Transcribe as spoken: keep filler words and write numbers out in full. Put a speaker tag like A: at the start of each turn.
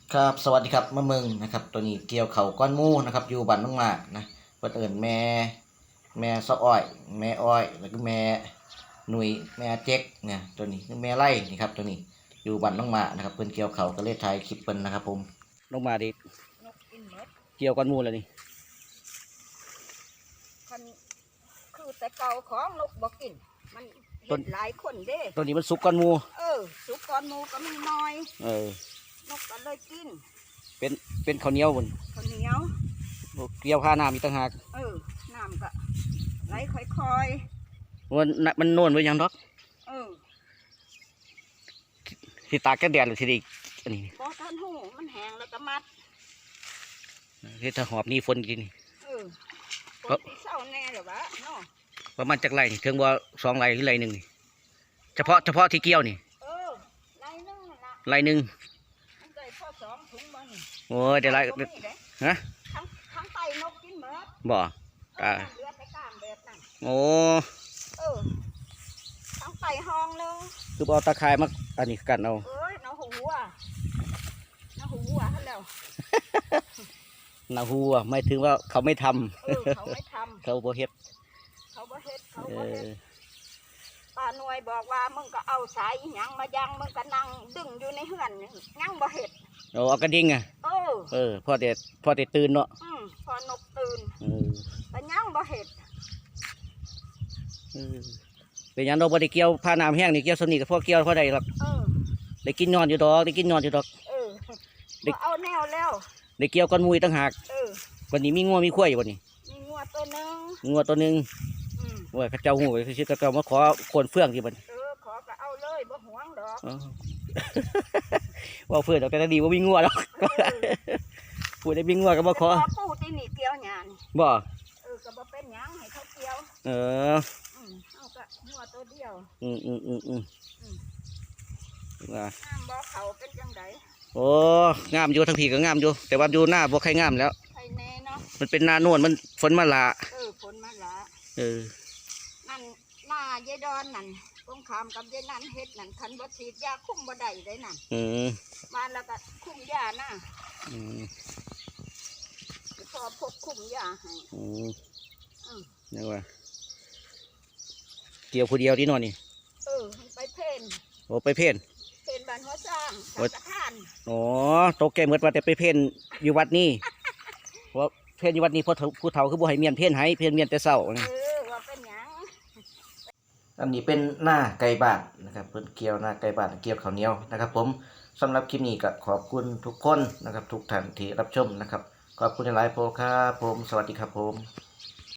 A: ครับสวัสดีครับมะเมืองนะครับตัวนี้เกี่ยวเข่าก้อนหมูนะครับอยู่บ้านน้องหมากนะเพิ่นเอิ้นแม่แม่ซออ้อยแม่อ้อยแล้วก็แม่หนุ่ยแม่เจ๊กเนี่ยตัวนี้คือแม่ไร่นี่ครับตัวนี้อยู่บ้านน้องหมากนะครับเพิ่นเกี่ยวเข่าก็เลยถ่ายคลิปเพิ่นนะครับผมลงมาดิ
B: นกกินหมด
A: เกี่ยวก้อนหมูแล้วนี่
B: คันคือแต่เก่าของนกบ่กินมันเห็นหลายคนเด้
A: ตัวนี้มันสุกก้อนหมู
B: เออสุกก้อนหมูก็มีน้อย
A: เออน
B: กก็เลยกิน
A: เป็นเป็นข้าวเหนียวพุ่น
B: ข้าวเหนียว
A: เกี่ยวผ้าน้ำอีกต่างหาก
B: เออน้ำก็ไหลค่อย
A: ๆมันมันโน่นไว้ยังดอก
B: เออ
A: สิตากแก่แดดหรือสิได้อันนี้
B: บ่ทันหูมันแห้งแล้วก็มัด
A: เฮ็ดถ้าหอบนี่ฝนกิน
B: เออฝนสิเศร้าแน่หรอวะเนาะ
A: ประมาณจักไร่นี่ถึงว่าสองไร่หรือไร่หนึ่งนี่เฉพาะเฉพาะที่เกี่ยวนี่
B: เออไร่นึงนั่นล่ะ
A: ไร่หนึ่ง
B: มันได้พอสองถุงบ่นี่
A: โอ้ยเดี๋ยวไร่ฮะ
B: ทั้งทั้งไตนกกินหมด
A: บ่
B: อ่าเหลือแต่กล้ามแบบนั้น
A: โอ้
B: เออทั้งไตห้องนึง
A: คือเอาตะไคร้มาอันนี้กันเอา
B: เอ้ยน้าหัวน้าหัวท่านแล้ว
A: นาหัวไม่ถึงว่าเขาไม่ทำ
B: เออเขาไม่ทำ
A: เขาบ่เฮ็ด
B: เขาบ่เฮ็ดเขาบ่เฮ็ดป้าหน่วยบอกว่ามึงก็เอาสายหยังมายังมึงก็นั่งดึงอยู่ในเฮือนยังบ่เฮ็ด
A: โอ้เอากระดิ่งอ่ะ
B: เออ
A: เออพอเด็ดพอเด็ดตื่นเนาะ
B: อืมพอนกตื่น
A: เออ
B: แต่ยังบ่เฮ็ด
A: เออเป็นยังเราบ่ได้เกี่ยวผ้าน้ำแห้งนี่เกี่ยวสนิทกับพวกเกี่ยวพอได้หรอก
B: เออ
A: ได้กินนอนอยู่ดอกได้กินนอนอยู่ดอก
B: เออได้เอาแนวแล้ว
A: ได้เกี่ยวก้อนมุยตั้งหาก
B: เออ
A: วันนี้มีงัวมีข้วยอยู่วันนี้
B: มีงัวตัวนึง
A: งัวตัวนึง
B: อืม
A: โอ้ยข้าเจ้าหูคือชื่อข้าเจ้ามาขอโคนเฟื่องที่มัน
B: เออขอก็เอาเลยบ่หวงดอก
A: ว่าเฟื่องแต่ก็ดีว่ามีงัวหรอกพูดได้มีงัวก็มาขอ
B: ปูที่นี่เกี่ยวหยาน
A: บ่
B: เออก็บ่เป็นหยังให้เขาเกี่ยว
A: เออ
B: อืมเอาก็งัวตัวเดียว
A: อืมอืมอืมอืม
B: ว่าน้ำบ่เขาเป็นจังได
A: โอ้งามอยู่ทั้งทีก็งามอยู่แต่ว่าอยู่หน้าบ่ใครงามแล้ว
B: ใครแน่เนาะ
A: มันเป็นหน้าโน่นมันฝนมาละ
B: เออฝนมาละ
A: เออ
B: นั่นหน้ายายดอนนั่นตรงขามกับยายนั่นเฮ็ดนั่นคันบ่ฉีดยาคุ้มบ่ได้ได้นั่น
A: อืม
B: มาแล้วก็คุ้มยานะ
A: อืม
B: พอพกคุ้มยาให้
A: อืมอืมนี่ว่าเกี่ยวผู้เดียวที่นอนนี่
B: เออไปเพ่น
A: โอ้ไปเพ่น
B: เพ่นบ้านหัวสร้างสังฆทาน
A: อ๋อโตแก่เหมือนว่าแต่ไปเพ่นอยู่วัดนี่เพราะเพ่นอยู่วัดนี้พอผู้เฒ่าคือบ่ให้เมียนเพ่นให้เพ่นเมียนแต่เช้า
B: เออว่าเป็นหยัง
A: อันนี้เป็นหน้าไก่บ้านนะครับเพิ่นเกี่ยวหน้าไก่บ้านเกี่ยวข้าวเหนียวนะครับผมสำหรับคลิปนี้ก็ขอบคุณทุกคนนะครับทุกท่านที่รับชมนะครับขอบคุณหลายๆโปรครับผมสวัสดีครับผม